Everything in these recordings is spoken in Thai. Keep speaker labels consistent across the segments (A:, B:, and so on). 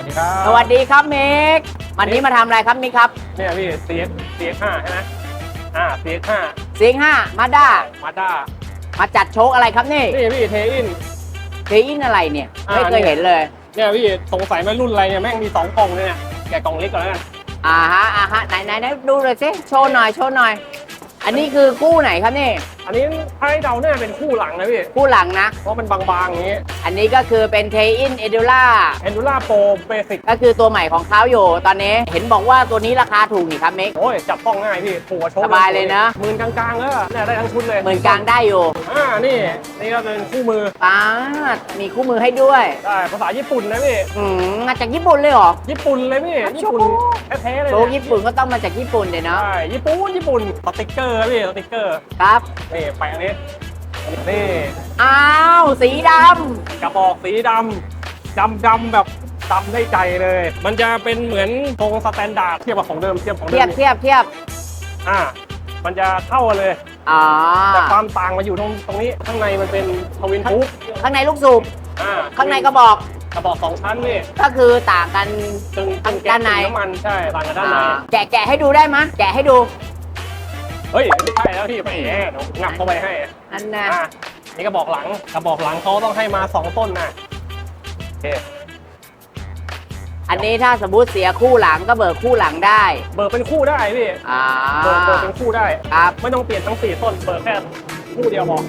A: ดีครับ
B: สวัสดีครับมิกวันนี้มาทำอะไรครับมิกครับ
A: เนี่ยพี่ CX5 ใช่ไหมCX5
B: CX5 มาด้า
A: Mazda
B: มาจัดโชคอะไรครับนี่
A: พี่เทอิน
B: อะไรเนี่ยไม่เคยเห็นเลย
A: เนี่ยพี่สงสัยไหมรุ่นอะไรเนี่ยแม่งมี2กล่องเลยเนี่ยแกะกล่องเล็กก่อนแล้วกัน
B: ฮะไหนดูเลยสิโชว์หน่อยอันนี้คือคู่ไหนครับนี่
A: อันนี้ถ้าให้เดาเนี่ยเป็นคู่หลังนะพี่
B: คู่หลังนะ
A: เพราะมันบางๆอย่างนี้
B: อันนี้ก็คือเป็น Tein
A: Endura Pro Basic
B: ก็คือตัวใหม่ของเขาอยู่ตอนนี้เห็นบอกว่าตัวนี้ราคาถูกนี่ครับมิก
A: โอ้ยจับต้องง่ายพี่ถูกกว่าโชว์
B: สบายเลยนะ
A: หมื่นกลางๆแล้วเนี่ยได้ทั้งชุดเลย
B: หมื่นกลางได้อยู่
A: นี่ก็เป็นคู่มือ
B: มีคู่มือให้ด้วย
A: ได้ภาษาญี่ปุ่นนะพี่
B: มาจากญี่ปุ่นเลยเหรอ
A: ญี่ปุ่นเลยพี่ญี่ปุ่นแท้ๆเลย
B: โชว์ญี่ปุ่นก็ต้องมาจากญี่ปุ่นเลยเนาะ
A: ใช่ญี่ปุ่นสติ๊กเกอร์พี่สติ๊กเกอร์
B: ครับ
A: นี่ไปอันนี้นี่
B: อ้าวสีด
A: ำกระบอกสีดำแบบดำได้ใจเลยมันจะเป็นเหมือนทรงสแตนดาร์ดเทียบกับของเดิมเทียบมันจะเท่ากันเลยแต่ความต่างมาอยู่ตรงนี้ข้างในมันเป็นทวินทูบ
B: ข้างในลูกสูบข้างในกระบอก
A: 2 ชั้นนี่
B: ก็คือต่างกัน
A: ด้านในน้ำมันใช่ต่างกันด้านใน
B: แกะให้ดูได้ไหมแกะให้ดู
A: เฮ้ยไม่ใช่แล้วพี่ไปแอบงับเข้าไปให้
B: อันน่ะ
A: นี่กระบอกหลังเขาต้องให้มา2 ต้นนะโอเค
B: อันนี้ถ้าสมมติเสียคู่หลังก็เบิกคู่หลังได้
A: เบิกเป็นคู่ได้พี่เบิกเป็นคู่ได้
B: ครับ
A: ไม่ต้องเปลี่ยนทั้ง4 ต้นเบิกแค่คู่เดียวพอ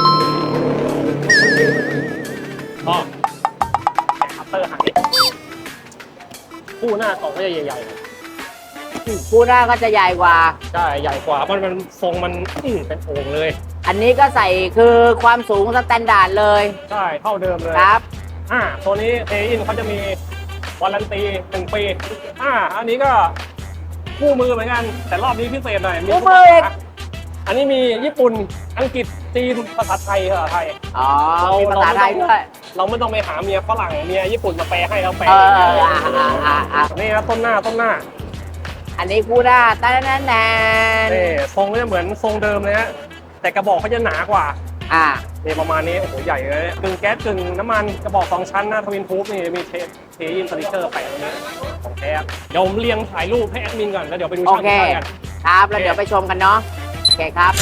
A: คัตเตอร์หายคู่หน้ากล่องก็จะใหญ่ๆ
B: คู่หน้าก็จะใหญ่กว่า
A: ใช่ใหญ่กว่าเพราะมันทรงมันเป็นโอ่งเลย
B: อันนี้ก็ใส่คือความสูงสแตนดาร์ดเลย
A: ใช่เท่าเดิมเลย
B: ครับ
A: ตัวนี้เทอินเขาจะมีวารันตี1 ปีอันนี้ก็คู่มือเหมือนกันแต่รอบนี้พิเศษหน่อย
B: มีคู่มือ
A: อันนี้มีญี่ปุ่นอังกฤษจีนภาษาไทย
B: มีภาษาไทยด้วย
A: เราไม่ต้องไปหาเมียฝรั่งเมียญี่ปุ่นมาแปลให้เราแปลนี่นะต้นหน้า
B: อันนี้คู่หน้า
A: นี่ทรงก็จะเหมือนทรงเดิมเลยฮะแต่กระบอกเขาจะหนากว่านี่ประมาณนี้โอ้โหใหญ่เลยกึ่งแก๊สกึ่งน้ำมันกระบอก2 ชั้นนะทวินทูบนี่มีเทอินสติกเกอร์แปะตรงนี้ของแท้เดี๋ยวผมเรียงถ่ายรูปให้แอดมินก่อนแล้วเดี๋ยวไปดูช่างกัน
B: ครับแล้วเดี๋ยวไปชมกันเนาะโอเคครับ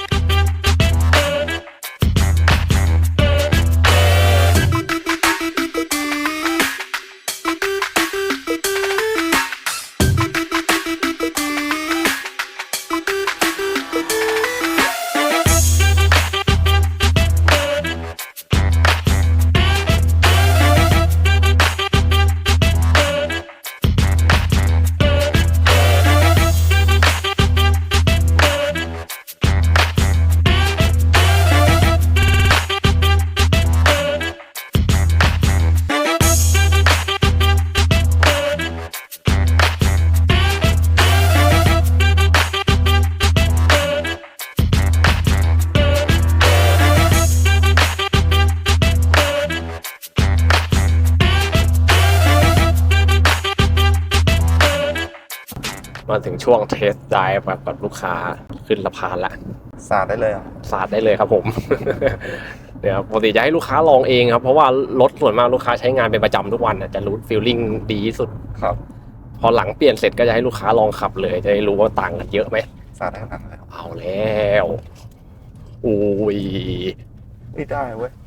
A: มาถึงช่วงเทสไดรฟ์กับลูกค้าขึ้นสะพานละ
C: สาดได้เลย
A: สาดได้เลยครับผม เดี๋ยวปกติจะให้ลูกค้าลองเองครับเพราะว่ารถส่วนมากลูกค้าใช้งานเป็นประจำทุกวันจะรู้ฟีลลิ่งดีที่สุด
C: ครับ
A: พอหลังเปลี่ยนเสร็จก็จะให้ลูกค้าลองขับเลยจะได้รู้ว่าต่างกันเยอะไหม
C: สาดได้ขนาดไหน
A: เอาแล้วอุ้ย
C: ได้เว้ย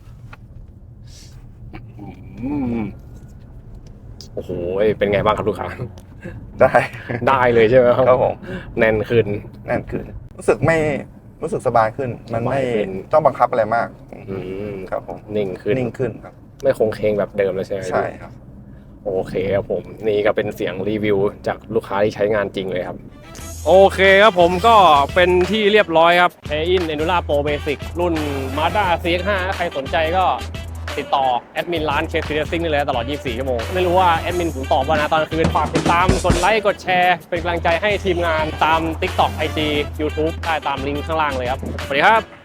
A: โอ้โหเป็นไงบ้างครับลูกค้า
C: ได้
A: เลยใช่ไหม
C: ครับผม
A: แน่นขึ้น
C: รู้สึกสบายขึ้นมันไม่ต้องบังคับอะไรมากครับผม
A: นิ่งขึ้น
C: ครับ
A: ไม่คงเคงแบบเดิมเลยใช่ไหม
C: ใช่ครับ
A: โอเคครับผมนี่ก็เป็นเสียงรีวิวจากลูกค้าที่ใช้งานจริงเลยครับโอเคครับผมก็เป็นที่เรียบร้อยครับ Tein Endura Pro Basic รุ่น Mazda CX5 ใครสนใจก็ติดต่อแอดมินร้าน KC Racing นี่เลยตลอด24 ชั่วโมงไม่รู้ว่าแอดมินผมตอบว่านะตอนคืนฝากติดตามกดไลค์กดแชร์เป็นกำลังใจให้ทีมงานตาม TikTok IG YouTube ได้ตามลิงก์ข้างล่างเลยครับสวัสดีครับ